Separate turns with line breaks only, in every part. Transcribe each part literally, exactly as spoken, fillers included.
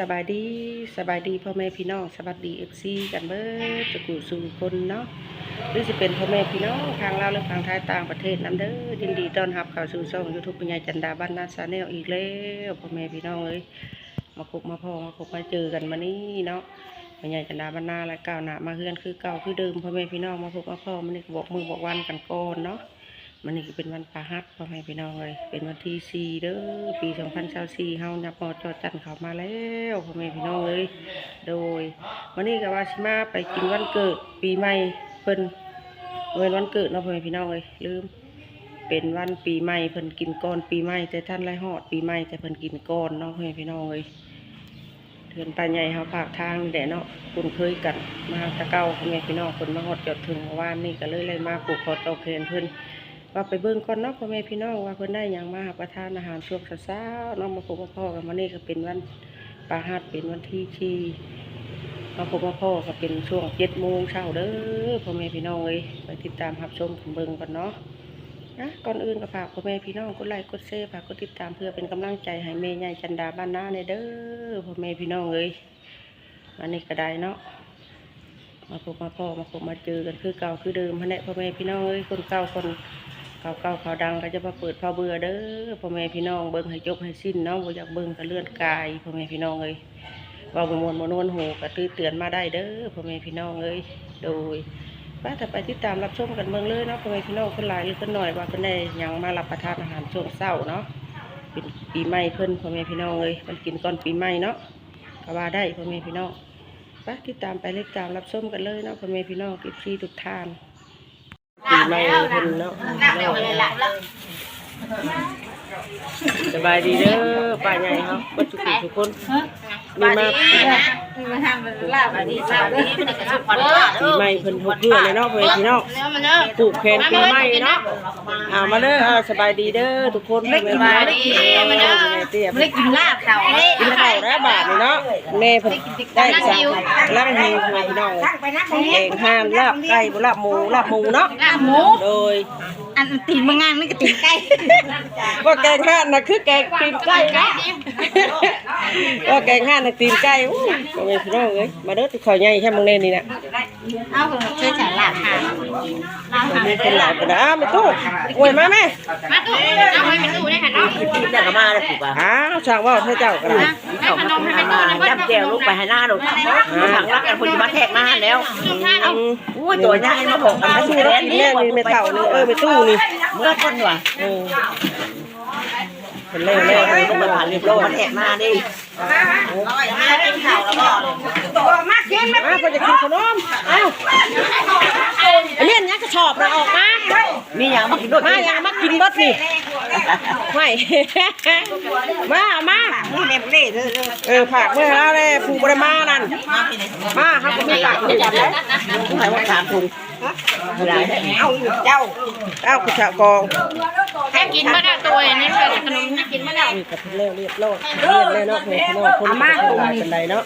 สบายดีสบายดีพ่อแม่พี่น้องสวัสดีเอฟซีกันเบิดจะกูสู่คนเนาะหรือจะเป็นพ่อแม่พี่น้องทางลาวหรือทางไทยต่างประเทศน้ำเด้อยินดีต้อนรับเข้าสู่ช่องยูทูบปัญญาจันดาบ้านนาชาแนลอีกแล้วพ่อแม่พี่น้องเอ้ยมาพบมาพ่อมาพบมาเจอกันมานี่เนาะปัญญาจันดาบ้านนาและก้าวหน้ามาเฮือนคือเก่าคือเดิมพ่อแม่พี่น้องมาพบมาพ่อมันนี่บอกมือบอกวันกันก่อนเนาะมันนี่เป็นวันพฤหัสพ่อแม่พี่น้องเลยเป็นวันที่สี่เด้อปีสองพันสิบสี่เฮานับมอจอจันเข้ามาแล้วพ่อแม่พี่น้องเลยโดยวันนี้ก็ว่าสิมาไปกินวันเกิดปีใหม่เพิ่นเว้นวันเกิดเนาะพ่อแม่พี่น้องเลยลืมเป็นวันปีใหม่เพิ่นกินก่อนปีใหม่แต่ท่านไรฮอดปีใหม่แต่เพิ่นกินก่อนเนาะพ่อแม่พี่น้องเลยเถือนตาใหญ่เฮาภาคทางแดดเนาะคุ้นเคยกันมาตะเก้าพ่อแม่พี่น้องคนมาฮอดจอดถึงเมื่อวานนี่ก็เลยเลยมาปลูกคอเตาแคนเพิ่นว่าไปเบิ่งก่อนเนาะพ่อแม่พี่น้องว่าเพิ่นได้หยังมารับประทานอาหารช่วงเช้าๆเนาะมาพบมาพ่อกันวันนี้ก็เป็นวันปาหัสเป็นวันที่ที่มาพบมาพ่อก็เป็นช่วงเจ็ดโมงเช้าเด้อพ่อแม่พี่น้องเอ้ยไปติดตามรับชมกันเบิ่งก่อนเนาะนะก่อนอื่นก็ฝากพ่อแม่พี่น้องกดไลค์กดแชร์ฝากกดติดตามเพื่อเป็นกำลังใจให้แม่ใหญ่จันดาบ้านนาในเด้อพ่อแม่พี่น้องเอ้ยวันนี้ก็ได้เนาะมาพบมาพ่อมาพบมาเจอกันคือเก่าคือเดิมพะเนี่ยพ่อแม่พี่น้องเอ้ยคนเก่าคนเก่าเก่าเขาดังก็จะมาเปิดพอเบื่อเด้อพ่อแม่พี่น้องเบิ่งให้จบให้สิ้นเนาะบ่อยากเบิ่งก็เลื่อนกายพ่อแม่พี่น้องเอ้ยว่าบ่มวนบ่นวนหูก็ตื้อเตือนมาได้เด้อพ่อแม่พี่น้องเอ้ยโดยป้าถ้าไปติดตามรับชมกันเบิ่งเลยเนาะพ่อแม่พี่น้องคนหลายหรือคนหน่อยว่าเพิ่นได้หยังมารับประทานอาหารช่วงเช้าเนาะเป็นปีใหม่เพิ่นพ่อแม่พี่น้องเอ้ยมันกินก่อนปีใหม่เนาะก็ว่าได้พ่อแม่พี่น้องป้าติดตามไปติดตามรับชมกันเลยเนาะพ่อแม่พี่น้องคลิปที่ทุกท่านปีใหม่เพิ่นเนาะสบายดีเด้อป้าใหญ่ครับก็ทุกทุกคนมีมาปีใหม่เพิ่นทุกเพื่อเลยเนาะเพื่อนพี่น้องปลูกแคนปีใหม่เนาะอ่ามาเด้อสบายดีเด้อทุกคนสบายดีมาเด้อไม่ได้กินลาบเต่ากินข้าวแล้วบาทเนาะแม่เพิ่นได้สั่งลาบหิวเพื่อนพี่น้องแกงห่านลาบไก่ลาบหมูลาบหมูเนาะลาบหมูโดย
อันตีนมางานนี่ก็ตีนไก่
ว่าแกงห่านนะคือแกงตีนไก่นะว่าแกงห่านนะตีนไก่โอ้ยเป็นพี่น้องเอ้ยมาเด้อที่ข่อยใหญ่แค่มึงเล่นนี่นะ
เอาเชื่อฉันหลับค่ะ
มีคนหลายคนนะอ้าวไม่ตู้อวยมาไหม
มาตู้เอาไว้เป็นตู้ได้ค่ะน้อง
กินแต่ก็มาแล้วถูกป่ะ
อ้าวช่างว่าให้เจ้ากันนะ
ขนมให้เป็นตู้นะ
จับแก้วลูกไปให้หน้าลูกถังรักกันคนจะมาแทกมาแล้วเอาอุ้ยตัวนี้มาบอกกันไม่
ตู้
ใช่แล้ว
นี่นี่ไม่เท่านี่เออไม่ตู้นี่
เมื่อคนว่ะ
เออเป็นเล่เล่เลย
ต้องมาผ่านเรียบร้อยมาแทกมาดิมากินข้าวแล้วก็
ตัวมากินมาเพื่อจะกินขนมเอ้าอันนี้เนี่ยกระชอบเราออกมา
มีอย่างมากินด้วย
มาอย่างมากินรถนี่ไม่มามาเออผักเมื่อแล้วเลยผูกบริมานั่นมาครับคุณผักคุณจับแล้ว
คุณใส่ว่าสามถุง
เอาเจ้าเอาคุณชาวกอง
แค่กินมาได้ตัวนี้เป็นขนมให้กินมาได้
นี่กับเล่เรียบร้อยเรียบเลยเนาะเพื่อนน้องคนมาตรงนี้เป็นไรเนาะ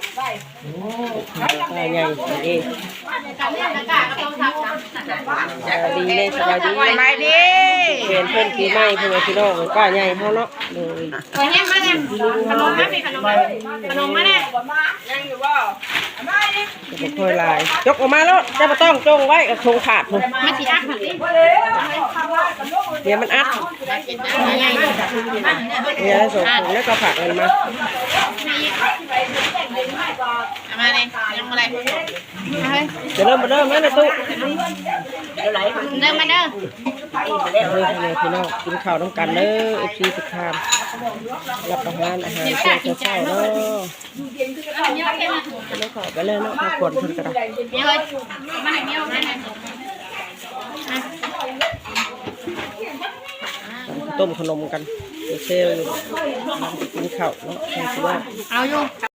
ได้ไงเองดีเลยสบายดี
สบายดี
เพื่อนเพื่อนปีใหม่เพื่อนพี่น้องป้าใหญ่เขาเนาะเลย
ตัวนี้มาเนี่ยขนมมาเป็นขนมขนมมาเนี่ย
จะค่อยลายยกออกมาแล้วจะมาต้องจงไว้กับทงขาดเลย
ไม่สีอัดมัน
เดี๋ยวมันอัดเนี่ยส่งผงแล้วก็ผักมันมา
มาเลยยังอะไร
จะเริ่มมาเริ่มแล้วนะตุ๊
เดินมาเด้อ
เด้อเลยพี่น้องกินข้าวต้องกันเด้อเอฟซีสุดทานรับประทานอาหารเช้าเช้าเนาะแล้วขอไปเลยเนาะมาขวดคนกระดาษต้มขนมกันเชลกินข้าวเนาะ
เอาอยู่